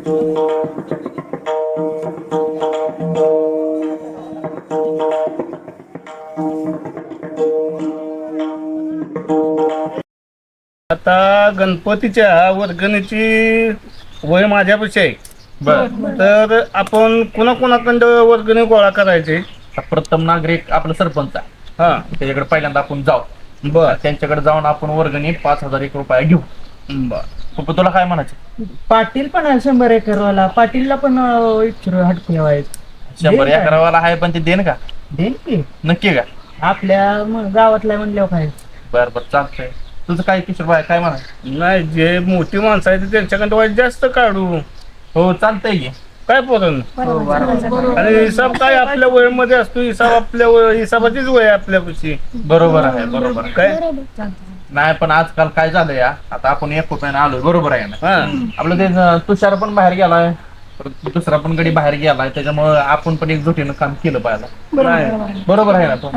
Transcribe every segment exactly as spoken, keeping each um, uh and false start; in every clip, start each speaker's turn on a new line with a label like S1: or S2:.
S1: आता गणपतीच्या वर्गणीची वय माझ्यापेक्षा आहे.
S2: बर
S1: तर आपण कुणाकुणाकडं वर्गणी गोळा करायचे?
S2: प्रथम नागरिक आपलं सरपंच आहे,
S1: हा
S2: त्याच्याकडे पहिल्यांदा आपण जाऊ.
S1: बर
S2: त्यांच्याकडे जाऊन आपण वर्गणी पाच हजार एक रुपया घेऊ.
S1: बर
S2: पप्पा तुला काय म्हणायचं?
S3: पाटील पण आहे शंभर एकरवाला, पाटीलला पण इच्छुक हटके व्हायचं.
S2: शंभर एकरावाला आहे पण ते देन का?
S3: देईन की
S2: नक्की का?
S3: आपल्या म- गावातल्या म्हणल्यावर काय.
S2: बर बर चालतंय. तुझं काय किशोर भाई काय म्हणायचं?
S1: नाही, जे मोठी माणसं आहेत त्यांच्याकडे वाईट जास्त काढू.
S2: हो चालतंय की.
S1: काय पोरण आणि हिसाब काय आपल्या वयामध्ये असतो. हिसाब आपल्या वय- हिसाबाचीच वय आहे आपल्यापाशी.
S2: बरोबर आहे बरोबर आहे.
S1: काय
S2: नाही पण आजकाल काय झालं या, आता आपण एक रुपयाने आलोय, बरोबर आहे ना?
S1: हा
S2: आपलं ते तुषार पण बाहेर गेलाय, परत दुसरा पण गडी बाहेर गेलाय, त्याच्यामुळे आपण पण एकजुटीनं काम केलं पाहिजे.
S1: नाही.
S2: बरोबर आहे ना तो?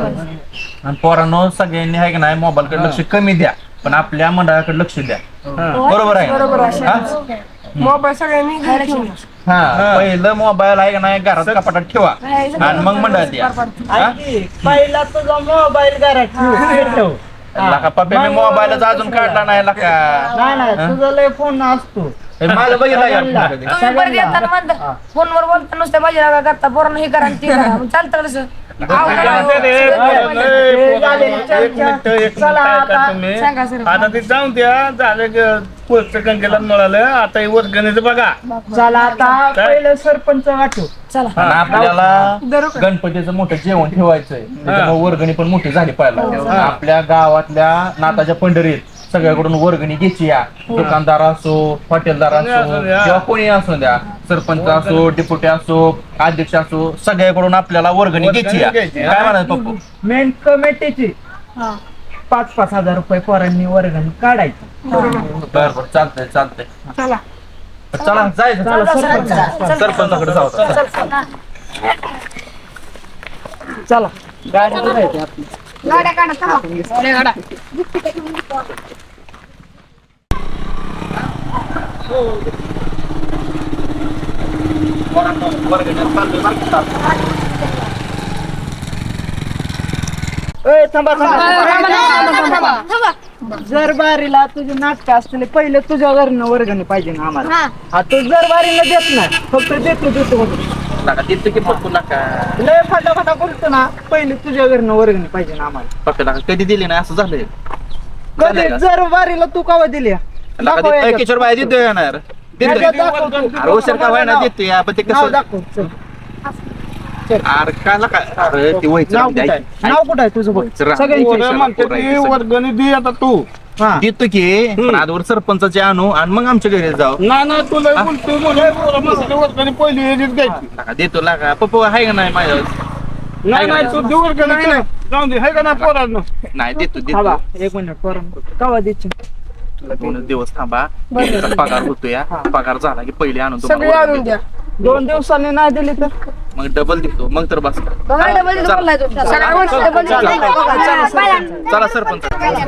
S2: आणि पोरांनो सगळ्यांनी आहे की नाही मोबाईल कडे लक्ष कमी द्या, पण आपल्या मंडळाकडे लक्ष द्या.
S1: हा.
S2: बरोबर आहे
S4: बरोबर आहे.
S2: हा?
S4: मोबाईल सगळ्यांनी घरी ठेवून.
S2: हा पहिलं मोबाईल आहे का नाही घरात कपाटात ठेवा आणि मग मंडळात द्या. हा?
S3: ऐक की, पहिला तुझा मोबाईल घरात ठेव. ठेव.
S2: लका पप्पा मी मोबाईलच अजून काढला नाही लका.
S3: नाही नाही तुझा लय फोन असतो.
S2: हे माझं बघितलं का?
S4: तुम्ही परत येताना म्हणता फोनवर बोलता नुसत्या माझी नाव करता पोरांना हे करा आणि ते करा मग चालतं कसं?
S1: जाऊ दे रे, पोरं, लय पोरं. एक मिनिट एक मिनिट
S3: चला
S1: ऐका
S3: आता.
S1: तुम्ही.
S4: सांगा सर.
S1: आता ते जाऊन द्या, झालं पुढचं कंकेला मिळालं. आता हे वर्गणीचं बघा.
S3: चला आता पहिलं सरपंच वाटू.
S4: चला
S2: आणि आपल्याला गणपतीचं मोठं जेवण ठेवायचंय, त्याच्यामुळे वर्गणी पण मोठी झाली पाहिजे. आपल्या गावातल्या नाताच्या पंढरीत सगळ्याकडून वर्गणी घ्यायची या. दुकानदार असो, हॉटेलदार असो किंवा कोणी असो द्या, सरपंच असो, डेप्युटी असो, अध्यक्ष असो, सगळ्याकडून आपल्याला वर्गणी घ्यायची या.
S1: घ्यायची,
S2: काय म्हणायचं पप्पू?
S3: मेन कमिटीची पाच पाच हजार रुपये पोरांनी वर्गणी काढायची.
S2: बर बर चालतंय चालतंय.
S4: चला
S2: चला जायचं.
S3: चला सरपंच.
S2: सरपंचाकडे जाऊ.
S3: चला गाडी जायची आपली.
S4: गाड्या काढा चला. गाड्या
S3: ए, थांबा, थांबा. जर बारीला तुझे नाटक असतील पहिले तुझ्या घरनं वर्गणी पाहिजे ना आम्हाला. हा तू जर बारीला देत नाही, फक्त देतो देतो म्हणून.
S2: नका तिथं की पप्पू नका.
S3: लय फाटा फाटा करतो ना, पहिले तुझ्या घरनं वर्गणी पाहिजे ना आम्हाला.
S2: पप्पा नका कधी दिली नाही असं झालंय.
S3: कधी जर बारीला तू कावा दिली
S2: नका ते- ए, किशोर भाई देतोय ना यार. देतोय. अरे उशीर का व्हायना देतोय या, पण ते कसं
S3: दाखव चल.
S2: अरे काय नका. अरे ते व्हायचं
S3: नाव
S2: राहू दे.
S3: कुठं आहे? नाव कुठं आहे तुझं बघ.
S2: जरा.
S3: सगळ्यांची
S1: पोरं म्हणते ती वर्गणी दे आता तू.
S3: हा
S2: देतो की पण आजवर सरपंचाचे आणू आणि मग आमच्या घरी जाऊ.
S1: नाही नाही तुला बोलतोय म्हणे, पोरं म्हणते वर्गणी पहिली ह्याचीच घ्यायची.
S2: नका देतो लागा पप्पा आहे का नाही माझ्या?
S1: नाही नाही तू दे वर्गणी दे. जाऊन दे, हाय का नाही पोरांनो?
S2: नाही देतो
S3: थांबा
S2: देतो.
S3: एक मिनिट पोरं कावा द्यायची.
S2: तुला दोन दिवस थांबा. तुमचा पगार होतो या. पगार झाला की पहिले आणून
S4: सगळे
S2: तुम्हाला
S4: आणून
S2: वर्गणी
S4: द्या.
S2: देतो.
S3: दोन दिवसांनी नाही दिली तर
S2: मग डबल देतो मग तर बस.
S4: बघा डबल देतो बोललाय तो. सगळ्या गोष्टी डबल देतो.
S2: चला सरपंच.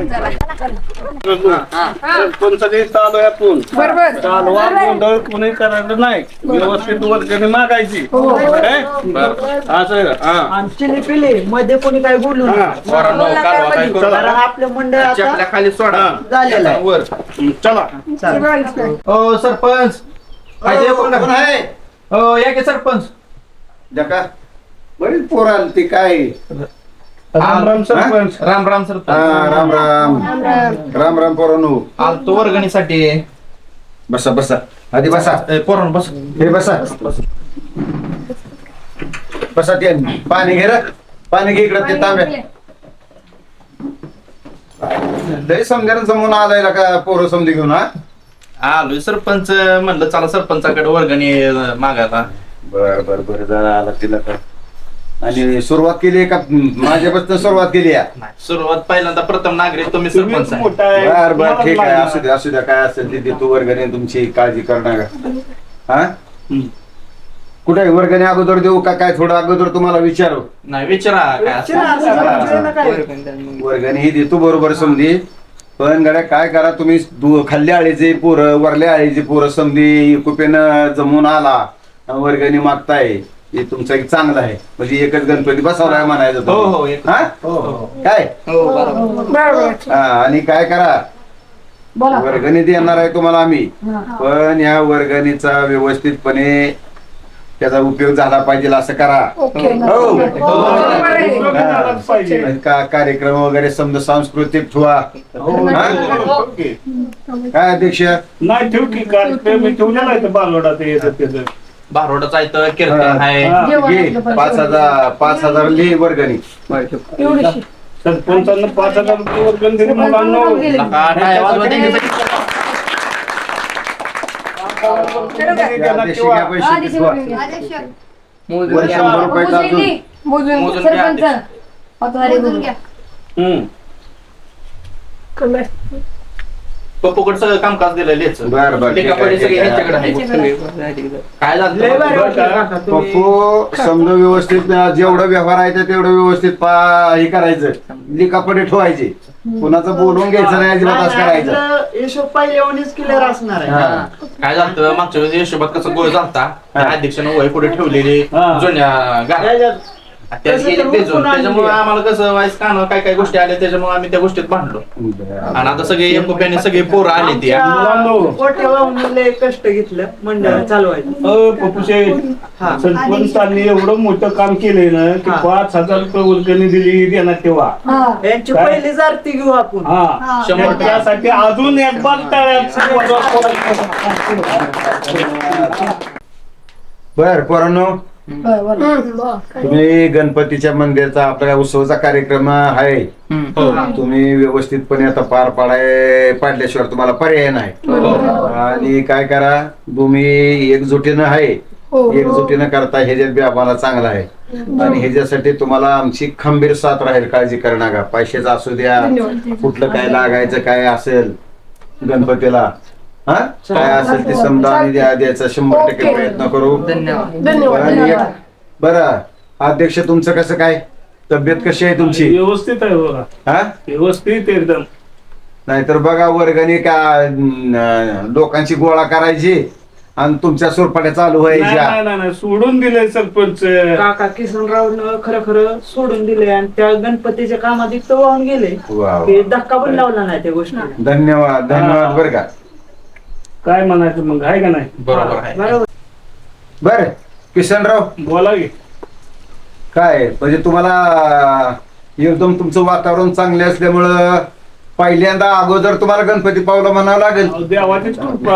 S1: सरपंचाचे चालू आहे आपण.
S4: बरोबर.
S1: चालवा गोंधळ कोणी करायचं नाही. व्यवस्थित वर्गणी मागायची. काय? असं आहे का? हा.
S3: आणि चिली पिली मध्ये कोणी काय बोलू नका.
S2: पोरांनो, कालवा काय करू
S3: कारण
S2: नका.
S3: आपलं मंडळ आता
S2: चपल्या खाली सोडा.
S3: झालेलं आहे.
S2: वर.
S1: चला
S3: चालेल.
S2: ओ सरपंच काय ते कोण आहे? हो या की सरपंच.
S5: जका बरीच पोर आली ती काय
S1: राम राम सरपंच.
S2: राम राम
S5: हा,
S2: सरपंच.
S5: राम राम राम राम पोरांनो.
S2: आलतो वर्गणीसाठी.
S5: बसा बसा आधी बसा.
S2: ए, पोरांनो बस.
S5: हे बसा बसा ते पाणी घे रे. पाणी घे इकडं ते तांब्या. लय समजायला जमून आलाय ना का पोरं समजी घेऊन. हा
S2: आलोय सरपंच म्हणलं चला सरपंचाकडे वर्गणी मागायला.
S5: बर बर बर जरा आला तिला का. आणि सुरुवात केली का माझ्यापासून सुरुवात केली आहे.
S2: नाही, सुरुवात पहिल्यांदा प्रथम नागरिक तुम्ही
S1: तुम्हीच
S2: सरपंच आहे.
S1: मोठा आहे.
S5: बर बर
S1: तुम्हालाच
S5: ठीक आहे
S1: लागणार.
S5: असू द्या असू द्या काय असेल ते देतो वर्गणी तुमची काळजी करणार का. हा कुठे वर्गणी अगोदर देऊ का काय थोडं अगोदर तुम्हाला विचारू.
S2: नाही विचारा काय असेल.
S5: वर्गणी ही देतो बरोबर समजी पण गड्या काय करा तुम्ही दु- खाल्ल्या आळीचे पोरं वरल्या आळीचे पोरं समधी कुपेनं जमून आला वर्गणी मागताय हे तुमचं एक चांगलं आहे म्हणजे एकच गणपती बसवलाय म्हणायचं
S2: हो हो
S5: तुम्ही.
S2: एक-
S5: हा?
S2: हो हो
S5: काय
S2: हो बरोबर
S5: हा, आणि काय करा
S4: बोला
S5: वर्गणी देणार आहे तुम्हाला आम्ही
S4: हा.
S5: पण या वर्गणीचा व्यवस्थितपणे त्याचा उपयोग झाला पाहिजे असं करा
S4: ओके
S5: हो.
S1: उपयोग झालाच पाहिजे.
S5: आणि का कार्यक्रम वगैरे समजा सांस्कृतिक ठेवा हा?
S1: ओके.
S5: काय अध्यक्ष
S1: नाही ठेव की कार्यक्रम मी ठेवलेला आहे बालवडा ते येतात त्याचं
S2: बारोडाचं आहे तर कीर्तन आहे
S1: हा.
S5: घे पाच हजार पाच हजार लिहि वर्गणी
S4: एवढीशी
S1: सरपंचांना पाच हजार रुपये वर्गण दिली मुलांना
S2: नका टाळ्या वाजवा त्यांच्यासाठी.
S5: या अध्यक्ष घ्या पैसे ठेवा. वर शंभर रुपयाचा अजून
S4: मोजून
S2: मोजून घ्या
S4: सरपंच पतवारी मोजून घ्या
S1: हम्म.
S2: पप्पूकडे सगळं कामकाज दिलं लिहायचं.
S5: बर बर ठीक
S2: लेखापडी
S5: आहे,
S2: सगळी
S5: ठीक आहे.
S2: ह्यांच्याकडे आहे. काय झालं
S3: लय भारी
S1: बरं
S3: वाटलं
S1: का?
S3: काका तुम्ही.
S5: पप्पू समजा व्यवस्थित जेवढं व्यवहार आहे ते तेवढं व्यवस्थित पा- हे करायचं लिकापडे ठेवायचे कुणाचं बोलून घ्यायचं नाही अजिबात असं करायचं
S3: आपलं हिशोब पहिल्याहूनच क्लिअर असणार आहे
S5: हा.
S2: काय झालं मागच्या वेळेस हिशोबात कसं गोळ झालता त्या अध्यक्षानं वय पुढे ठेवलेली
S1: हा.
S2: जुन्या गाड्या
S3: याच्यात
S2: त्या
S3: तसं
S2: गेली
S3: तर
S2: भेजून
S3: हुकून आणली.
S2: त्याच्यामुळे आम्हाला कसं वाईस कान काय काय गोष्टी आल्या त्याच्यामुळे आम्ही त्या गोष्टीत भांडलो आणि आता सगळे एकोप्याने सगळे पोरं आले ती
S1: मुलांनो.
S3: मोठ्या भाऊने लय कष्ट घेतलं मंडळ चालवायचं
S1: अ, पप्पूशे
S3: हा.
S1: सरपंचांनी एवढं मोठं काम केलंय ना की
S3: हा.
S1: पाच हजार रुपये वर्गणी दिली देण्यात तेव्हा
S3: यांची
S1: काय?
S3: पहिलीच आरती घेऊ आपण
S1: हा
S2: शंभर टक्के.
S1: त्यासाठी अजून एक बार
S5: बर पोरांनो तुम्ही गणपतीच्या मंदिराचा आपल्या उत्सवाचा कार्यक्रम आहे तुम्ही व्यवस्थितपणे आता पार पाडाय पाडल्याशिवाय तुम्हाला पर्याय नाही आणि काय करा तुम्ही एकजुटीनं आहे एकजुटीनं करता ह्याच्यात बी आम्हाला चांगला आहे आणि ह्याच्यासाठी तुम्हाला आमची खंबीर साथ राहील काळजी करू नका पैशाचं असू द्या कुठलं काय लागायचं काय असेल गणपतीला हा काय असेल ते समजा आणि द्या- द्यायचा शंभर टक्के प्रयत्न करू आणि एक- बरं अध्यक्ष तुमचं कसं काय तब्येत कशी आहे तुमची
S1: व्यवस्थित आहे बघा
S5: हा
S1: व्यवस्थित एकदम
S5: नाहीतर बघा वर्गणी का अं, लोकांची गोळा करायची आणि तुमच्या सुरपाट्या चालू
S1: नाही
S5: व्हायच्या
S1: नाही, नाही नाही, सोडून दिले सरपंच
S3: काका किसनराव खरं खरं सोडून दिले आणि त्या गणपतीच्या कामात इतकं वाहून गेले
S5: वा वा.
S3: की धक्का पण लावला नाही त्या गोष्टी
S5: धन्यवाद धन्यवाद बरं का
S1: काय म्हणायचं मग आहे का नाही
S2: बरोबर आहे
S3: बरोबर
S5: बर किशनराव
S1: बोला की
S5: काय म्हणजे तुम्हाला एकदम तुमचं वातावरण चांगले असल्यामुळं पहिल्यांदा अगोदर तुम्हाला गणपती पावला म्हणावं लागेल
S1: अहो, देवाचीच कृपा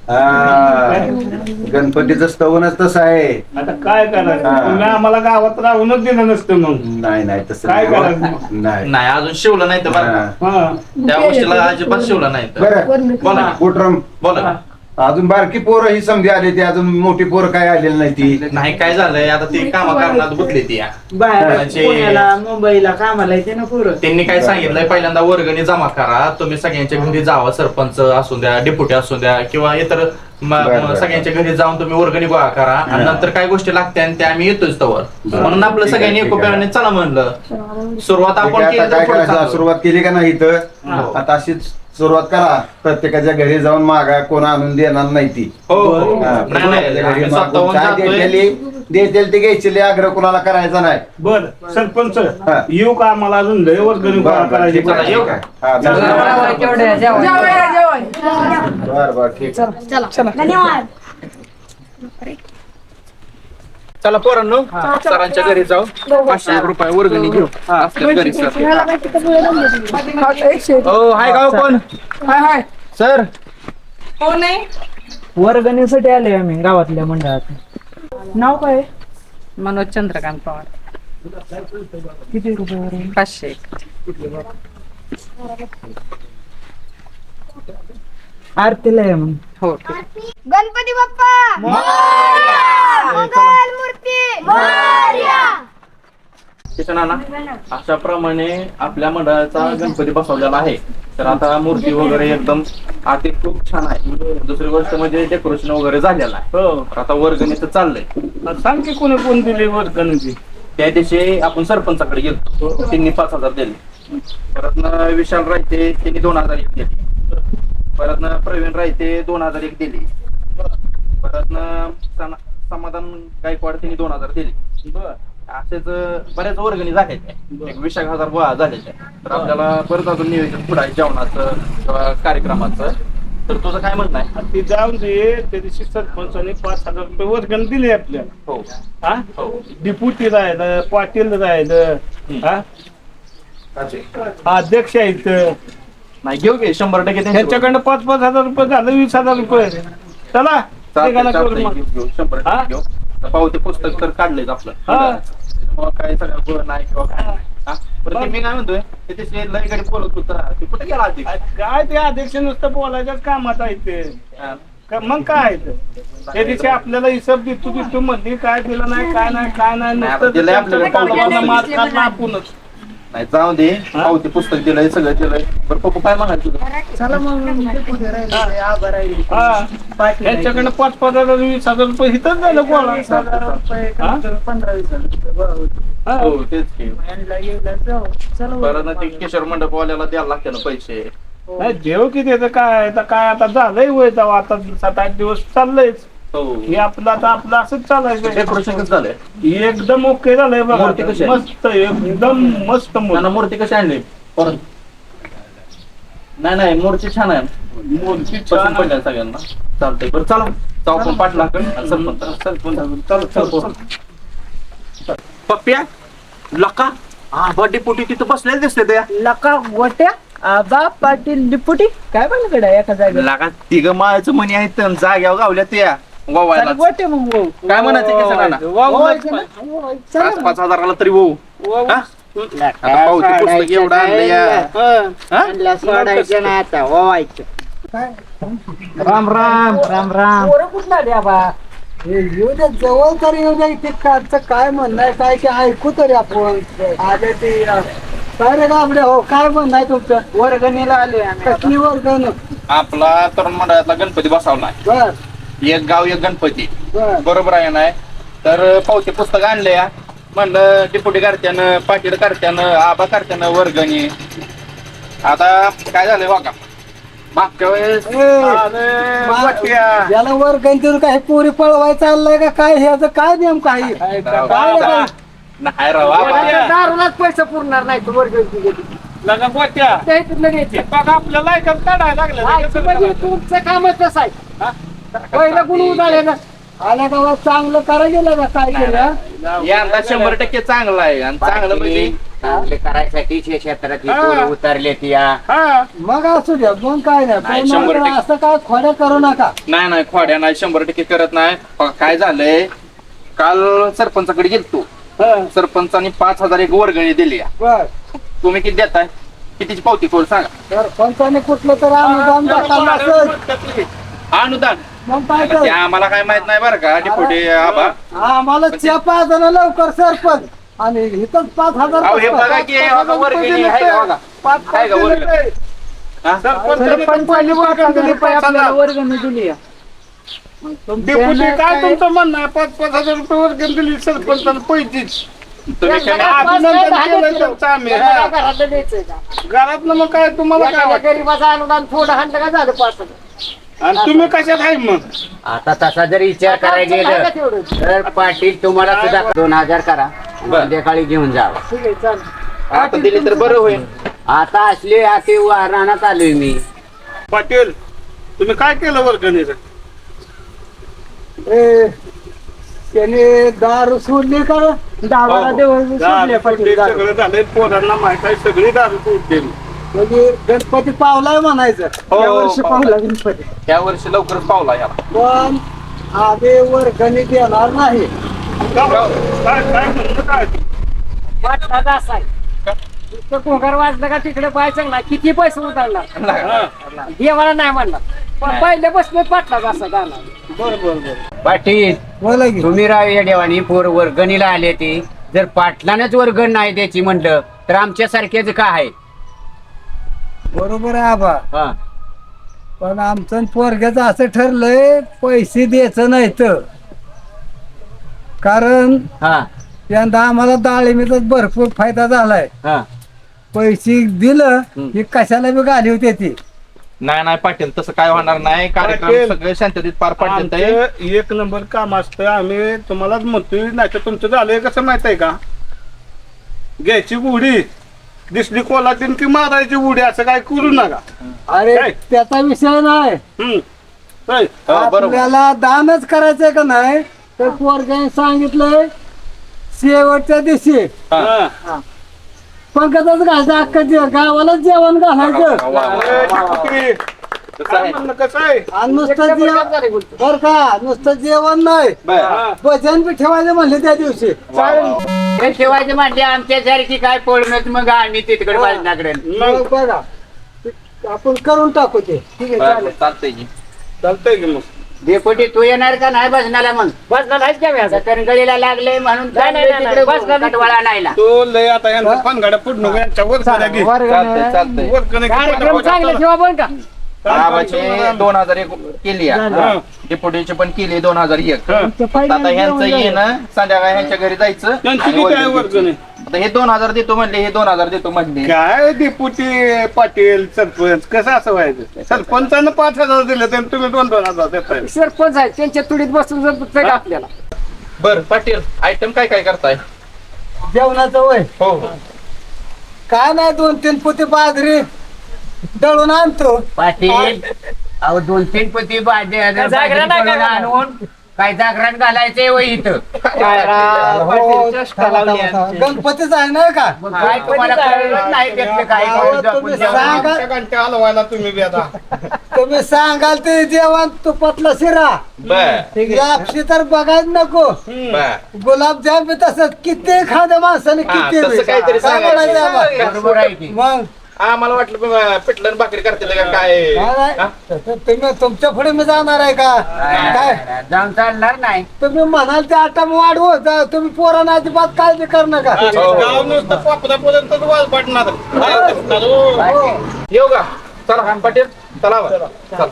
S5: हा. गणपतीचं स्तवनच तसं आहे
S1: आता काय करायचं
S5: हा.
S1: तुम्ही आम्हाला गावात राहूनच दिलं नसतं मग
S5: नाही नाही तसं
S1: काय
S5: नाही.
S1: करायचं?
S5: नाही
S2: नाही अजून शिवलं नाही तर बरं का.
S5: हा.
S1: हा
S2: त्या गोष्टीला अजिबात शिवलं नाही तर
S5: बरं
S2: बोला
S5: कुठरम
S2: बोला
S5: अजून बारकी पोरं ही समजी आली ती अजून मोठी पोरं काय आलेली नाही ती
S2: नाही काय झालंय आता ती कामा कारणात गुतली ती या.
S3: बाहेर
S2: म्हणजे-
S3: पुण्याला मुंबईला कामाला येते ना पुरं
S2: त्यांनी काय सांगितलंय पहिल्यांदा वर्गणी जमा करा तुम्ही सगळ्यांच्या घरी जावा सरपंच असू द्या डेप्युटी असू द्या किंवा इतर म-
S5: बरं,
S2: म-
S5: बरं.
S2: सगळ्यांच्या घरी जाऊन तुम्ही वर्गणी गोळा करा आणि
S5: हा.
S2: नंतर काय गोष्टी लागत्या आणि त्या आम्ही येतोच तवर म्हणून आपलं
S5: ठीक आहे,
S2: सगळ्यांनी
S5: ठीक आहे.
S2: एकोप्याने चला म्हणलं सुरुवात
S5: ठीक
S2: आपण
S5: आहे,
S2: केली
S5: आता
S2: तर
S5: काय
S2: पुढं
S5: करायचं
S2: चांगलं.
S5: सुरुवात केली का नाही इथं
S2: हो.
S5: आता अशीच सुरुवात करा प्रत्येकाच्या घरी जाऊन मागा कोण आणून देणार नाही ती
S2: हो हो.
S5: हा,
S2: नाही, नाही,
S5: प्रत्येकाच्या घरी
S2: आम्ही
S5: मागून
S2: स्वतःहून
S5: काय
S2: जातोय.
S5: देतेली देतेल ते घ्यायची लय आग्रह कोणाला करायचा नाही
S1: बर सरपंच
S5: हा.
S1: येऊ का आम्हाला अजून लय वर्गणी गोळा
S5: बरं, बरं,
S1: करायची
S5: ठीक आहे,
S2: चला, येऊ
S5: ठीक आहे. हा, चला. बरं बरं ठीक आहे.
S4: धन्यवाद
S2: चला पोरांनो सरांच्या घरी जाऊ पाचशे एक रुपये वर्गणी घेऊ आपल्या घरी सर हो हाय गाव कोण सर
S3: वर्गणीसाठी आले आम्ही गावातल्या मंडळात नाव काय
S6: मनोज चंद्रकांत पवार
S3: किती रुपये वर्गणी?
S6: पाचशे
S3: आरतीला आहे मग
S6: हो
S4: गणपती बाप्पा मंगल मूर्ती मोरया.
S2: नाना अशा प्रमाणे आपल्या मंडळाचा गणपती बसवलेला आहे तर आता मूर्ती वगैरे एकदम आती खूप छान आहे दुसरी गोष्ट म्हणजे डेकोरेशन वगैरे झालेलं आहे
S1: हो
S2: तर आता वर्गणीचं चाललंय
S1: सांग की कोणी कोण दिली वर्गणीची
S2: त्या दिवशी आपण सरपंचाकडे गेलो त्यांनी पाच हजार दिले परत न विशाल रायते त्यांनी दोन हजार एक दिली. परत न प्रवीण रायते दोन हजार एक दिली. परत न सना- समाधान गायकवाड त्यांनी दोन हजार दिली. असेच बऱ्याच वर्गणी झाल्या, एक वीस एक हजार गोळा झालेल्या. तर आपल्याला परत अजून नियोजन पुढे आहे जेवणाचं किंवा कार्यक्रमाचं. तर तुझं काय म्हणणं आहे?
S1: ते जाऊन दे, त्या दिवशी सरपंचाने पाच हजार रुपये वर्गण दिले आपल्याला.
S2: हो
S1: हा डिप्युटी राहिलं, पाटील राहिलं, हा अध्यक्ष आहेत,
S2: नाही घेऊ घे शंभर टक्के त्यांच्याकडे.
S1: त्यांच्याकडनं पाच पाच हजार रुपये झालं, वीस हजार रुपये. चला
S2: चालतंय,
S1: ठिकाणा करू
S2: चालतंय,
S1: मग.
S2: घेऊ, घेऊ, शंभर
S1: हा?
S2: टक्के घेऊ. तर पावते पुस्तक तर काढलेच आपलं.
S1: हा.
S2: त्याच्यामुळं काय सगळं गोळ नाही किंवा काय नाही. हा? बरं ते मी काय म्हणतोय, ते ते लई गाडी बोलत होता, ते कुठे गेला आधी?
S1: काय ते अध्यक्ष नुसतं बोलायच्याच कामात आहे ते.
S2: हा.
S1: का- मग काय आहे ते? त्या दिवशी आपल्याला हिशोब देतो देतो म्हणली, काय दिलं नाही, काय नाही, काय नाही,
S2: नाही,
S1: नुसतं
S2: आता दिलंय आपल्याला
S1: पावलाला
S2: पावलं.
S1: मार खाल्ला आपणच.
S2: नाही जाऊ दे, पावते पुस्तक दिलंय, सगळं दिलंय. बरं पप्पू काय म्हणायचं तुझं?
S3: चला मग डेपुटी राहिले, आभार राहिले.
S1: हा
S3: पाटील
S1: यांच्याकडनं पाच पाच हजार वीस हजार रुपये हिथंच झालं गोळा.
S3: वीस हजार रुपये कमी कमी पंधरा वीस हजार रुपये गोळा होते.
S1: हा.
S2: हो तेच की.
S3: यांना येऊला जाऊ. चला
S2: बरं ना ते किशोर मंडपवाल्याला द्यायला लागते ना पैसे.
S1: नाही देव किती येतं काय आता काय आता झालंय वय तेव्हा आता सात आठ दिवस चाललंयच.
S2: हो
S1: हे आपलं आता आपलं असंच चालायचं.
S2: डेकोरेशन कसं झालंय?
S1: एकदम ओके झालंय बघा.
S2: मूर्ती कशी आहे?
S1: मस्त एकदम मस्त
S2: नाना
S1: मूर्ती.
S2: मूर्ती कशी आणली परत? नाही नाही मूर्ती छान आहे,
S1: मूर्ती
S2: पसंत
S1: छान
S2: पडल्या सगळ्यांना. चालतंय बरं चला जाऊ आपण पाठला सरपंच सरपंच
S1: चल चल चल.
S2: पप्प्या लका हा बर्थडे पोटी तिथं बसलेले दिसते त्या
S3: लका गोट्या आबा पाटील डिपुटी काय म्हणलं कडे एका जागेला
S2: लका तिघ माळाचं म्हणी आहेत आणि जाग्यावर गावल्या त्या गोवायला.
S3: गोटे मग भाऊ.
S2: काय म्हणायचं की सगळ्यांना?
S1: वा, वा,
S3: ओवायचं ना? चला
S2: पाच पाच हजाराला तरी भाऊ.
S1: वा, वा.
S2: हा? आता पावती पुस्तक एवढं आणलं या. हा?
S3: आणला सोडायचं ना आता ओवायचं.
S2: राम राम
S3: राम राम पोरं कुठला द्या बा येऊ द्या जवळ तरी येऊ द्या इथे काचं काय म्हणणं आहे काय की ऐकू तरी आपण आले ते अं, काय रे गाबडे हो काय म्हणणं आहे तुमचं वर्गणीला आले आम्ही. कसली वर्गण
S2: आपला तरुण मंडळातला गणपती बसवलाय.
S3: बर
S2: एक गाव एक गणपती
S3: बर
S2: बरोबर आहे ना. तर पावते पुस्तक आणले या म्हणलं डिपुटी करत्यानं पाटील करत्यानं आबा करत्यानं वर्गणी. आता काय झालंय बघा मागच्या वेळेस अरे, वाट्या.
S3: याला वर्गण देऊन काय पोरी पळवाय चाललंय का काय ह्याचं काय नेमकं आहे
S2: काय
S3: काय
S2: राव, नाही राव आबा.
S3: दारूलाच पैसे पुरणार नाही तू वर्गण
S1: लगा गोट्या
S3: लगेच
S1: हे बघा आपल्याला ऐकत काढायला लागलं.
S3: म्हणजे तुमचं कामच कसं आहे पहिलं गुण उदाहरण आल्या गावात चांगलं करायला गेलं का काय केलं
S2: यंदा शंभर टक्के चांगला आहे आणि चांगलं म्हणजे
S7: चांगले करायसाठी शे- क्षेत्रातली
S1: हा.
S7: पोरं उतरले या
S1: हा
S3: मग असू द्या मग काय नाही
S2: नाही,
S3: पण
S2: शंभर
S3: मात्र
S2: टक्के.
S3: असं काय खोड्या करू नका
S2: नाही नाही खोड्या नाही शंभर टक्के करत नाही. बघा, काय झालंय काल सरपंचाकडे गेलतो. सरपंचाने पाच हजार एक वर्गणी दिली आहे.
S3: बर
S2: तुम्ही किती देताय? कितीची पावती कोण सांगा?
S3: तर पंचाने कुठलं तर अनुदान दाखवलं असेल
S2: अनुदान
S3: मग काय
S2: ते
S3: कर
S2: आम्हाला काय माहित नाही बरं का डिपुटी आबा.
S3: आम्हाला च्या पाच जण लवकर सरपंच आणि इथंच पाच हजार
S2: अहो, हे बघा की हे बघा वर्गणी आहे का बघा?
S3: पाच
S2: आहे का वर्गणी? हा?
S3: सरपंच पहिली वर्गणी दिली पाहिजे आपल्याला वर्गणी दिली आहे. मग तुमच्या
S1: डेपुटी
S3: ह्यानं
S1: काय
S3: काय-
S1: तुमचं म्हणणं आहे? पाच पाच हजार रुपये वर्गण दिली सरपंचानं पैतीच.
S2: तुम्ही काय-
S1: अभिनंदन केलं त्यांचं आम्ही. हा.
S3: घरातलं द्यायचंय का?
S1: घरातलं मग काय तुम्हाला काय
S3: एखाद्या
S1: वाटतं?
S3: गरीबाचं अनुदान थोडं हाणलं का झालं पाच हजार.
S1: आणि तुम्ही कशात आहे मग?
S7: आता तसा जर विचार करायला
S3: आमचं काय का
S7: गेलं
S3: तेवढं?
S7: तर पाटील तुम्हाला सुद्धा दोन हजार करा संध्याकाळी घेऊन जावं.
S3: ठीक आहे चालेल.
S2: आता दिली तर बरं होईल.
S7: आता असले अति रानात आलोय मी.
S1: पाटील तुम्ही काय केलं वर्गणीचं?
S3: ए, त्याने दारू सोडली का दारूला देऊन सोडले
S1: दारू
S3: पाटील
S1: सोडली,
S3: दारू.
S1: सगळं झालंय पोरांना माहित आहे सगळी दारू सोडली.
S3: म्हणजे गणपती पावलाय म्हणायचं
S2: हो,
S3: या वर्षी
S2: पावलाय.
S3: पावला गणपती
S2: या वर्षी लवकरच पावला याला.
S3: पण आधी वर्गणी देणार नाही
S1: काय काय म्हणणं काय?
S3: वाटला असा आहे नुसतं कोंगार वाजलं का तिकडे पाहायचं ना किती पैसे उतरणार
S1: हा.
S3: देवाला नाही म्हणणार पण पहिल्यापासून पाटला असा गाणं
S1: बरं बरं बरं
S7: पाटील
S3: बोला की
S7: तुम्ही राव या देवानी पोर वर्गणीला आले ते जर पाटलानेच वर्गण नाही द्यायची म्हणलं तर आमच्या सारख्याच काय आहे?
S3: बरोबर आहे आबा
S7: हा.
S3: पण आमचं पोरग्याचं असं ठरलंय पैसे द्यायचं नाही तर कारण
S7: हा
S3: यंदा आम्हाला डाळिंबीचा भरपूर फायदा झालाय
S7: हा
S3: पैसे दिलं की कशाला बी गाली होती ती.
S2: नाही नाही पाटील तसं काय होणार नाही कार्यक्रम
S1: पाटील,
S2: सगळे शांततेत पार पाडतात
S1: आमचं एक नंबर काम असतं. आम्ही तुम्हालाच म्हणतोय, नाही तर तुमचं झालंय कसं माहित आहे का? घ्यायची बुडी दिसली कोल्हाटीन की मारायची बुडी, असं काय करू नका.
S3: अरे
S1: काय?
S3: त्याचा विषय नाही.
S1: हम्म. होय.
S2: हो, बरोबर.
S3: आपल्याला दानच करायचंय का नाही तर पोरग्याने सांगितलंय शेवटच्या दिवशी
S1: हा.
S3: पंकजच घालायचं अख्खा जे- गावाला जेवण घालायचं.
S1: अरे, ती कुत्री. काय म्हणणं कसं आहे?
S3: आणि नुसतं जेवण बर का, नुसतं जेवण नाही
S1: हा.
S3: भजन बी ठेवायचं म्हणले त्या दिवशी.
S7: हे ठेवायचे म्हणजे आमच्यासारखी काय पोळणच मग आम्ही तिकडे बाजनाकडे
S3: मग बघा आपण करून टाकू ते. ठीक आहे चालेल.
S2: चालतंय की.
S1: चालतंय की मग.
S7: डेपुटी तू येणार का नाही भजनाला? मग भजनाला कणगळीला लागले म्हणून कटवाळा नाहीला.
S1: तो लय आता यांचा पानगाड्या पुढणं यांच्या वर करा की.
S2: चालतंय चालतंय
S1: वर करा की.
S2: गावाचे दोन हजार एक केली
S1: हा.
S2: डेपुटीचे पण केली दोन हजार एक
S1: हा.
S2: आता ह्यांचं येणं संध्याकाळी ह्यांच्या घरी जायचं
S1: त्यांची
S2: आणि
S1: किती आहे
S2: वर्गणी
S1: वर्गणी?
S2: द्यायची. आता हे दोन हजार देतो म्हणले, हे दोन हजार देतो म्हणले.
S1: काय डेपुटी पाटील सरपंच कसं असं व्हायचं? सरपंचानं पाच हजार दिले तर तुम्ही दोन दोन हजार देताय.
S3: सरपंच आहे त्यांच्या तुडीत बसून जर आपल्याला
S2: बर पाटील आयटम काय काय करताय?
S3: जेवणाचं वय
S2: हो हो
S3: काय नाही, दोन तीन पोते बाजरी दळून आणतो.
S7: पाटील अहो दोन तीन पती बाजे आणून काय जागरण घालायचंय वय इथं
S3: हो, गणपतीच आहे ना का?
S7: मग काय तुम्हाला कळलं नाही त्यातलं काय
S3: अहो,
S7: आपण
S3: तुम्ही
S7: जेवण-
S3: सांगा.
S1: आमच्या घंट्या हलवायला तुम्ही बी आता.
S3: तुम्ही सांगाल ते जेवण तुपातला शिरा
S2: बर
S3: यापशी तर बघायच नको.
S2: बर
S3: गुलाबजाम बी तसंच किती खाद्य माणसाने
S2: हा,
S3: किती
S2: तसं
S3: बी.
S2: काहीतरी
S3: काय
S2: सांगायचं.
S3: म्हणायचं आम्हाला?
S7: बरोबर आहे की
S3: मग
S2: आम्हाला वाटलं प- पिठलं आणि भाकरी करतील का काय
S3: काय नाही,
S2: हा?
S3: तसं तुम्ही तुमच्या पुढे मी जाणार आहे का? काय
S7: जाऊन चालणार नाही.
S3: तुम्ही म्हणाल ते आटा वाढवू जा, तुम्ही पोरांना अजिबात काळजी करू नका.
S1: गाव नुसतं पापदापर्यंत वाज पडणार.
S3: हो.
S2: येऊ का? चला पाटील चला बा. चला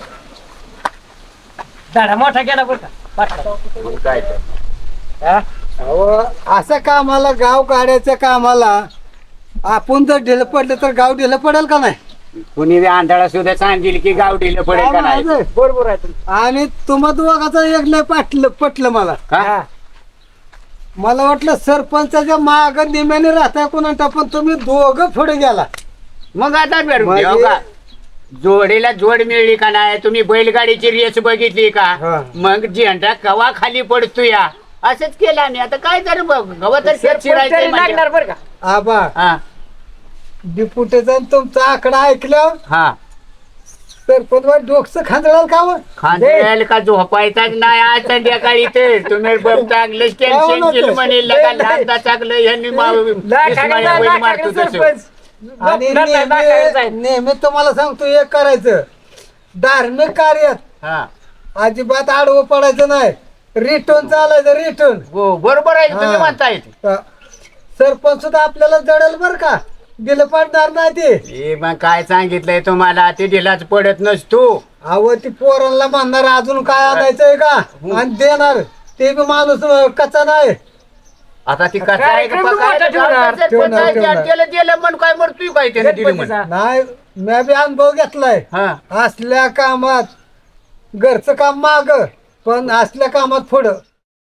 S7: मग काय तर.
S3: अहो, असं कामाला गाव काढायच्या कामाला आपण जर ढिलं पडलं तर गाव ढिलं पडेल का नाही?
S7: कुणी बी आंधळा सुद्धा सांगेल की गाव दिलं पडेल का नाही.
S3: बरोबर आहे. आणि तुम्हा दोघाचं एक लय पाटलं पटलं मला.
S7: का?
S3: मला वाटलं सरपंचाच्या माग निम्याने राहताय कोणा, पण तुम्ही दोघं पुढे गेला.
S7: मग आता भेटून
S3: म्हणजे-
S7: घेऊ का? जोडीला जोड मिळली का नाही? तुम्ही बैलगाडीची रेस बघितली का?
S3: हा.
S7: मग झेंडा कवा खाली पडतो या असंच केलं आम्ही. आता काय तर बघ गवा तर शेत शिरायचंय लागणार बरं का?
S3: आबा
S7: हा
S3: डिपुटीचा तुमचा आकडा ऐकल्यावर
S7: हा
S3: सरपंच डोकं खांदळाल का हो?
S7: खांदेल का झोपायचाच नाही आज संध्याकाळी तर तुम्ही बघ चांगलंच टेन्शन केलं म्हणेल का लहानदा चांगलं यांनी मा- इस्माया बैल मारतो तसं.
S3: आणि नेहमी नेहमी तुम्हाला सांगतो एक करायचं, धार्मिक कार्यात
S7: हा
S3: अजिबात आडवं पडायचं नाही, रिटर्न चालायचं रिटर्न.
S7: हो बरोबर आहे तुम्ही
S3: हा.
S7: म्हणताय.
S3: सरपंच सुद्धा आपल्याला जडेल बर का, दिलं पडणार नाही ते.
S7: हे मग काय सांगितलंय तुम्हाला ते दिलाच पडत नसतो.
S3: अहो ती पोरांना म्हणणार अजून काय आणायचंय का आणि देणार ते बी माणूस कच्चा नाही.
S7: आता ती कसं आहे का? काय
S3: ठेवणार, ठेवणार.
S7: केलं दिलं म्हणून काय मरतोय काय त्याने दिलं म्हणून.
S3: नाही मी बी अनुभव घेतलाय.
S7: हा
S3: असल्या कामात घरचं काम माग, पण असल्या कामात पुढं.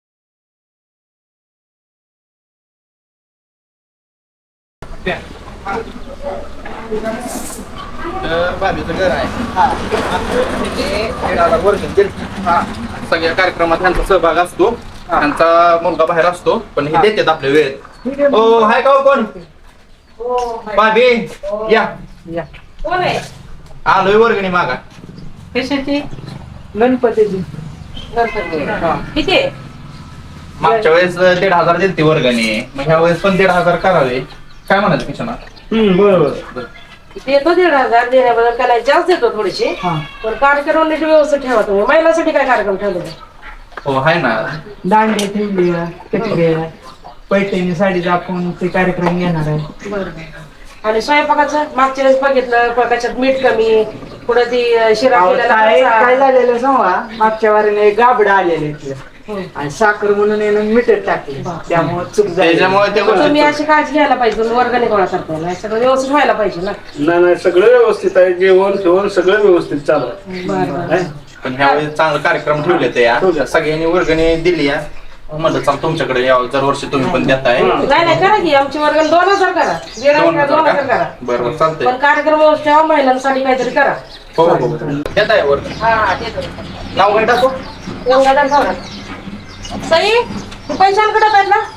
S2: तर बाजूचं घर आहे तिथे दीड हजार वर्गणी दिली. हा. सगळ्या कार्यक्रमात त्यांचा सहभाग असतो. त्यांचा मुलगा बाहेर असतो पण हे देतात आपल्या वेळेत. ओ हाय का हो कोण? भाभी या
S6: कोण आहे?
S2: आलोय वर्गणी मागा.
S6: कशाची?
S3: गणपतीची
S6: किती आहे?
S2: मागच्या वेळेस दीड हजार दिली वर्गणी, मग ह्या वेळेस पण दीड हजार करावे. काय म्हणाल किशना?
S1: बरोबर.
S6: देतो दीड हजार देण्याबद्दल त्याला जास्त देतो थोडीशी, पण कार्यक्रम नीट व्यवस्थित ठेवा तुम्ही. महिलांसाठी काय कार्यक्रम ठेवले?
S2: हो आहे ना.
S3: दांडे ठेवली, कटले, पैठणी साडीचा आपण ते कार्यक्रम घेणार आहे.
S6: बरं आणि स्वयंपाकाचं मागच्या वेळेस बघितलं प- त्याच्यात मीठ कमी पुढे ती अं, शिरा
S3: अहो,
S6: केलेला
S3: काय
S6: कच्चा.
S3: काय झालेलं सांगा मागच्या वारीने गाबडा आलेले इथले आणि साखर म्हणून येणं मीठच टाकले त्यामुळे चूक झाली
S2: त्याच्यामुळे ते
S6: पण तुम्ही
S2: गोष्टी
S6: अशी काळजी घ्यायला पाहिजे तुम्ही वर्गणी गोळा करताय ना सगळं व्यवस्थित व्हायला पाहिजे ना.
S1: नाही नाही सगळं व्यवस्थित आहे जेवण जेवण सगळं व्यवस्थित चालू आहे
S6: बरं बरं
S1: है?
S2: पण ह्यावेळी चांगला कार्यक्रम ठेवले ते या सगळ्यांनी वर्गणी दिली या म्हणलं चाल तुमच्याकडे यावं जर वर्षी तुम्ही पण देताय
S6: नाही नाही करा की आमची वर्गणी दोन हजार करा दीड
S2: दोन
S6: हजार दोन
S2: हजार
S6: हजार
S2: का?
S6: करा
S2: बरं चालतंय
S6: पण कार्यक्रम व्यवस्थित ठेवा महिलांसाठी काहीतरी करा.
S2: हो हो देताय वर्गणी
S6: हा हा देतो.
S2: नाव काय टाकू
S6: गंगाधर सावरा. सई तू पैशांकडे आहेत ना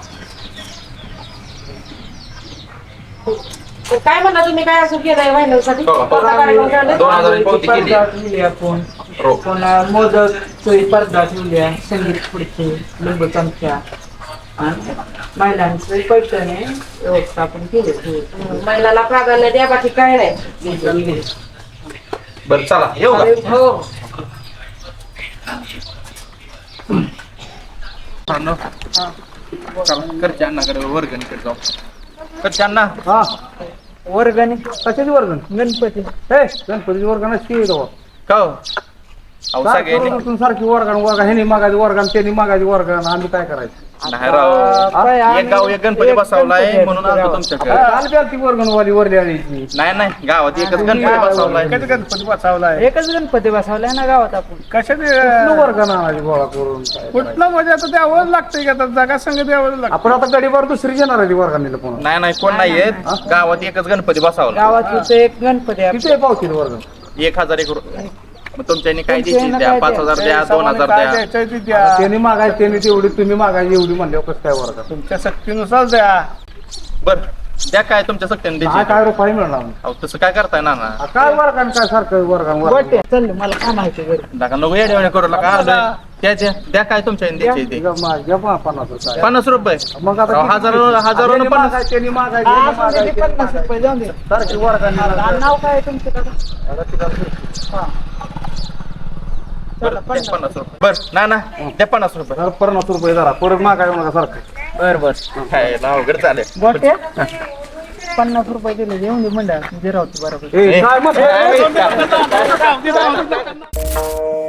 S6: काय म्हणला तुम्ही काय असं केलंय महिलांसाठी
S2: हो, हो.
S6: कोणता कार्यक्रम ठेवलाय?
S2: दोन हजार पावती केली
S3: स्पर्धा ठेवली आपण
S2: हो.
S3: पुन्हा मोदक स्पर्धा ठेवल्या संगीत खुर्ची लिंबू चमच्या आणि महिलांचे पैठणे व्यवस्थापन केले
S6: महिलांना प्राधान्य द्या बाकी काय नाही.
S2: बरं चला येऊ का
S6: हो
S2: करते अण्णा कडे वर्गणी कडे जाऊ करते अण्णा
S1: हा
S3: वर्गणी
S1: कशाची वर्गण
S3: गणपती
S1: हे गणपतीची वर्गण असते
S2: का हो? अहो सगळ्यांनी
S1: सारखी वर्गण वर्गण ह्यानी मागायची वर्गण त्यांनी मागायची वर्गण आम्ही काय करायचं
S2: नाही राव एक गाव एक गणपती बसवलाय म्हणून आलो तुमच्याकडे
S1: आली ती वर्गणवाली वरली आलीची
S2: नाही नाही गावात एकच गणपती बसवलाय
S1: कधी गणपती बसावलाय
S3: एकच गणपती बसवलाय ना गावात आपण
S1: कशाने वर्गण आणायची गोळा करून कुठलं म्हणजे आता द्यावंच लागतंय की आता जागा संघ द्यावं लागतं आपण आता गडीवर दुसरी येणार आहे ती वर्गणीला पुन्हा
S2: नाही नाही कोण नाही येत गावात एकच गणपती बसवला
S3: गावात इथं एक गणपती आहे.
S1: किती पावती वर्गण
S2: एक हजार एक रु- मग तुमच्यानी काय
S3: तुमच्यानी
S2: द्यायची द्या
S3: काय
S2: पाच हजार द्या दोन हजार द्या
S1: त्यांनी मागायची त्यांनी तेवढी तुम्ही मागायची एवढी म्हणल्यावर कसं काय वर्ग तुमच्या सक्तीनुसार द्या
S2: बर द्या काय तुमच्या सक्त्याने
S1: काय
S2: द्यायची
S1: काय रुपये मिळणार
S2: अहो तसं काय करताय ना ना
S1: आ, काय वर्गण काय सारखं वर्गण
S3: गोटे चल मला काय माहिती घरी
S2: नका नको येडे करू नका आलोय. द्या द्या द्या काय तुमच्या द्यायची ते
S1: पन्नास रुपये
S2: पन्नास रुपये
S1: मग आता
S2: अहो, हजारो हजारो
S1: त्यांनी
S2: पन्नास
S1: मागायची, त्यांनी मागायची,
S3: हा,
S1: त्यांनी
S3: असं म्हणजे
S1: मागायची,
S3: पन्नास रुपये जाऊन दे
S1: सारखी वर्गण
S3: आणि नाव काय आहे तुमचं दादा?
S2: बरं द्या पन्नास रुपये बर ना ना द्या पन्नास रुपये
S1: पन्नास रुपये जरा परत मागाय म्हणा सारखं
S2: बर बर काय अवघड चालेल
S3: गोटे पन्नास रुपये दिले येऊन दे मंडळ जिरावते बरोबर
S1: ए, काय मग?
S2: ए,